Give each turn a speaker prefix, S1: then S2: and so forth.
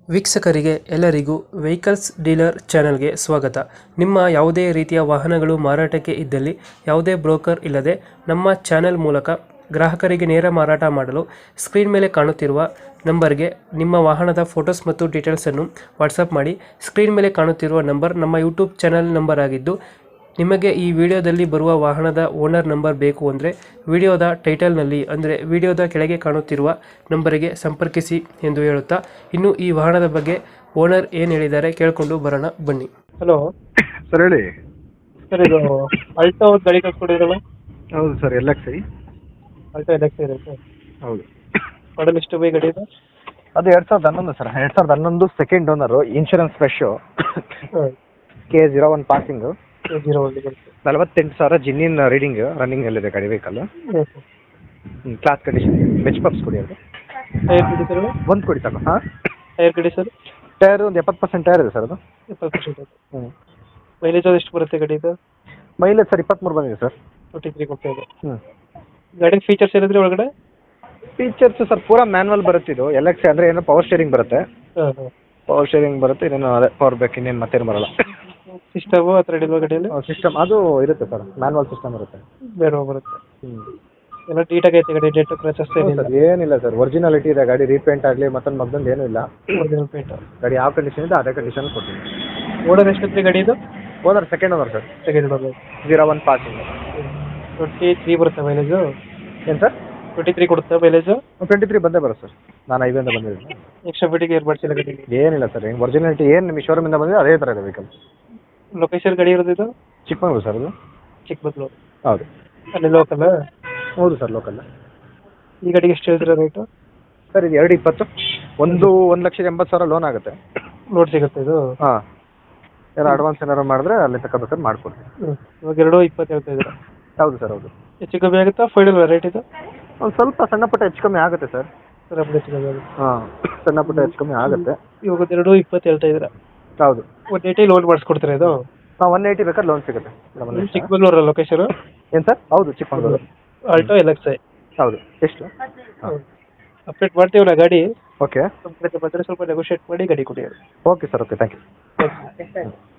S1: ವೀಕ್ಷಕರಿಗೆ ಎಲ್ಲರಿಗೂ vehicles dealer ಚಾನೆಲ್ಗೆ ಸ್ವಾಗತ. ನಿಮ್ಮ ಯಾವುದೇ ರೀತಿಯ ವಾಹನಗಳು ಮಾರಾಟಕ್ಕೆ ಇದ್ದಲ್ಲಿ ಯಾವುದೇ ಬ್ರೋಕರ್ ಇಲ್ಲದೆ ನಮ್ಮ ಚಾನೆಲ್ ಮೂಲಕ ಗ್ರಾಹಕರಿಗೆ ನೇರ ಮಾರಾಟ ಮಾಡಲು ಸ್ಕ್ರೀನ್ ಮೇಲೆ ಕಾಣುತ್ತಿರುವ ನಂಬರ್ಗೆ ನಿಮ್ಮ ವಾಹನದ ಫೋಟೋಸ್ ಮತ್ತು ಡೀಟೇಲ್ಸನ್ನು ವಾಟ್ಸಪ್ ಮಾಡಿ. ಸ್ಕ್ರೀನ್ ಮೇಲೆ ಕಾಣುತ್ತಿರುವ ನಂಬರ್ ನಮ್ಮ ಯೂಟ್ಯೂಬ್ ಚಾನೆಲ್ ನಂಬರ್ ಆಗಿದ್ದು, ನಿಮಗೆ ಈ ವಿಡಿಯೋದಲ್ಲಿ ಬರುವ ವಾಹನದ ಓನರ್ ನಂಬರ್ ಬೇಕು ಅಂದರೆ ವಿಡಿಯೋದ ಟೈಟಲ್ನಲ್ಲಿ ಅಂದರೆ ವಿಡಿಯೋದ ಕೆಳಗೆ ಕಾಣುತ್ತಿರುವ ನಂಬರಿಗೆ ಸಂಪರ್ಕಿಸಿ ಎಂದು ಹೇಳುತ್ತಾ, ಇನ್ನು ಈ ವಾಹನದ ಬಗ್ಗೆ ಓನರ್ ಏನು ಹೇಳಿದ್ದಾರೆ ಕೇಳಿಕೊಂಡು ಬರೋಣ ಬನ್ನಿ. ಹಲೋ
S2: ಸರ್ ಹೇಳಿ.
S1: ಸರ್, ಇದು ಅಲ್ಟೋ ಗಾಡಿ ಕಳ್ಸ್ಕೊಡಿದ್ರಲ್ಲ?
S2: ಹೌದು ಸರ್, LXi.
S1: ಅಲ್ಟೋ LXi ಇದೆ ಸರ್.
S2: ಹೌದು.
S1: ಮಾಡಲ್ ಎಷ್ಟು ಬೈ ಗಾಡಿ ಇದೆ?
S2: ಅದು 2011 ಸರ್. 2011 second owner, insurance fresh, K01 passing, 48,000 ಜಿನ್ನಿನ್ ರೀಡಿಂಗ್ ರನ್ನಿಂಗಲ್ಲಿದೆ ಗಾಡಿ ವೆಹಿಕಲ್. Class condition. ಬೆಚ್ ಪಪ್ಸ್ ಕೊಡಿ. ಅದು
S1: ಟೈರ್ ಗಾಡಿ ಸರ್?
S2: ಒಂದು ಕೊಡಿ ಸಾಕು. ಹಾಂ,
S1: ಟೈರ್ ಗಾಡಿ ಸರ್?
S2: ಟೈರ್ ಒಂದು 70% ಟೈರ್ ಇದೆ ಸರ್. ಅದು
S1: 70%.
S2: ಹ್ಞೂ.
S1: ಮೈಲೇಜ್ ಅದು ಎಷ್ಟು ಬರುತ್ತೆ ಗಾಡಿ ಇದು?
S2: ಮೈಲೇಜ್ ಸರ್ 23 ಬಂದಿದೆ ಸರ್.
S1: 43 ಕೊಡ್ತಾ ಇದೆ.
S2: ಹ್ಞೂ.
S1: ಗಾಡಿ ಫೀಚರ್ಸ್ ಏನಿದ್ರೆ ಒಳಗಡೆ?
S2: ಫೀಚರ್ಸ್ ಸರ್ ಪೂರಾ ಮ್ಯಾನ್ಯಲ್ ಬರುತ್ತೆ. ಇದು LXi ಅಂದರೆ ಏನೋ ಪವರ್ ಸ್ಟೇರಿಂಗ್ ಬರುತ್ತೆ.
S1: ಹಾಂ ಹಾಂ,
S2: ಪವರ್ ಸ್ಟೇರಿಂಗ್ ಬರುತ್ತೆ. ಇನ್ನೇನು ಅದೇ ಪವರ್ ಬ್ರೇಕ್, ಇನ್ನೇನು ಮತ್ತೇನು ಬರಲ್ಲ.
S1: ಸಿಸ್ಟಮು ಆ ಥರ ಇಲ್ವಾ ಗಾಡಿಯಲ್ಲಿ?
S2: ಸಿಸ್ಟಮ್ ಅದು ಇರುತ್ತೆ ಸರ್, ಮ್ಯಾನ್ಯಲ್ ಸಿಸ್ಟಮ್ ಇರುತ್ತೆ.
S1: ಬೇರೆ ಬರುತ್ತೆ.
S2: ಹ್ಞೂ.
S1: ಎಲ್ಲ ನೀಟಾಗಿ ಐತೆ ಗಾಡಿ, ಡೆಂಟ್ ಕ್ರಚಸ್ ಏನಿಲ್ಲ?
S2: ಏನಿಲ್ಲ ಸರ್, ಒರಿಜಿನಾಲಿಟಿ ಇದೆ ಗಾಡಿ. ರೀಪೇಂಟ್ ಆಗಲಿ ಮತ್ತೊಂದು ಮಗ್ದಂದು ಏನೂ ಇಲ್ಲ.
S1: Original paint.
S2: ಗಾಡಿ ಯಾವ ಕಂಡೀಷನ್ ಇದೆ ಅದೇ ಕಂಡೀಷನ್ ಕೊಡ್ತೀನಿ.
S1: ಓನರ್ ಎಷ್ಟಿತ್ತು ಗಾಡಿ ಇದು?
S2: Owner second owner sir.
S1: Second owner.
S2: 01 passing.
S1: 23 ಬರುತ್ತೆ ಮೈಲೇಜು?
S2: ಏನು ಸರ್?
S1: 23 ಕೊಡುತ್ತೆ ಮೈಲೇಜು?
S2: 23 ಬಂದೇ ಬರುತ್ತೆ ಸರ್. ನಾನು ಹೈವೇಯಿಂದ ಬಂದಿದ್ದೀನಿ.
S1: ಎಕ್ಸ್ಟ್ರಾ ಫಿಟ್ಟಿಂಗ್ ಏನು ಮಾಡಿಸಿಲ್ಲ ಗಾಡಿ?
S2: ಏನಿಲ್ಲ ಸರ್, ಏನು ಒರಿಜಿನಾಲಿಟಿ ಏನು ನಿಮ್ಮ ಶೋರೂಮಿಂದ ಬಂದಿದೆ ಅದೇ ಥರ ಇದೆ ವೆಹಿಕಲ್.
S1: ಲೊಕೇಶನ್ ಗಾಡಿ ಇರೋದು ಇದು?
S2: ಚಿಕ್ಕಮಗಳೂರು ಸರ್. ಅದು
S1: ಚಿಕ್ಕಮಗಳೂರು.
S2: ಹೌದು.
S1: ಅಲ್ಲಿ ಲೋಕಲ್?
S2: ಹೌದು ಸರ್, ಲೋಕಲ್.
S1: ಈ ಗಾಡಿಗೆ ಎಷ್ಟು ಹೇಳ್ತೀರಾ ರೇಟು?
S2: ಸರ್ ಇದು 220. 1,80,000 ಲೋನ್ ಆಗುತ್ತೆ.
S1: ಲೋಡ್ ಸಿಗುತ್ತೆ ಇದು?
S2: ಹಾಂ, ಏನೋ ಅಡ್ವಾನ್ಸ್ ಏನಾರು ಮಾಡಿದ್ರೆ ಅಲ್ಲಿ ತಗೋಬೇಕಾದ್ರೆ ಮಾಡಿಕೊಡ್ತೀನಿ.
S1: ಇವಾಗ 220 ಹೇಳ್ತಾ ಇದ್ದೀರಾ?
S2: ಹೌದು ಸರ್, ಹೌದು.
S1: ಹೆಚ್ಚು ಕಮ್ಮಿ ಆಗುತ್ತಾ ಫೈನಲ್ ರೇಟ್ ಇದು?
S2: ಒಂದು ಸ್ವಲ್ಪ ಸಣ್ಣ ಪುಟ್ಟ ಹೆಚ್ಚು ಕಮ್ಮಿ ಆಗುತ್ತೆ ಸರ್.
S1: ಹೆಚ್ಚು ಕಮ್ಮಿ ಆಗುತ್ತೆ.
S2: ಹಾಂ, ಸಣ್ಣ ಪುಟ್ಟ ಹೆಚ್ಚು ಕಮ್ಮಿ ಆಗುತ್ತೆ.
S1: ಇವಾಗ 220 ಹೇಳ್ತಾ ಇದ್ದೀರಾ?
S2: ಹೌದು.
S1: 180 ಲೋನ್ ಮಾಡಿಸ್ಕೊಡ್ತೀರಾ ಇದು?
S2: ಹಾಂ, 180 ಬೇಕಾದ್ರೆ ಲೋನ್ ಸಿಗುತ್ತೆ.
S1: ಚಿಕ್ಕಮಗಳೂರು ಲೊಕೇಶನ್?
S2: ಏನು ಸರ್? ಹೌದು, ಚಿಕ್ಕಮಗಳೂರು.
S1: Alto LXi.
S2: ಹೌದು. ಎಷ್ಟು?
S1: ಅಪ್ಡೇಟ್ ಮಾಡ್ತೀವಲ್ಲ ಗಾಡಿ.
S2: ಓಕೆ.
S1: ನಮ್ಮ ಕಡೆ ಬಂದರೆ ಸ್ವಲ್ಪ ನೆಗೋಷಿಯೇಟ್ ಮಾಡಿ ಗಾಡಿ ಕೊಡಿ.
S2: Okay sir, okay, thank you.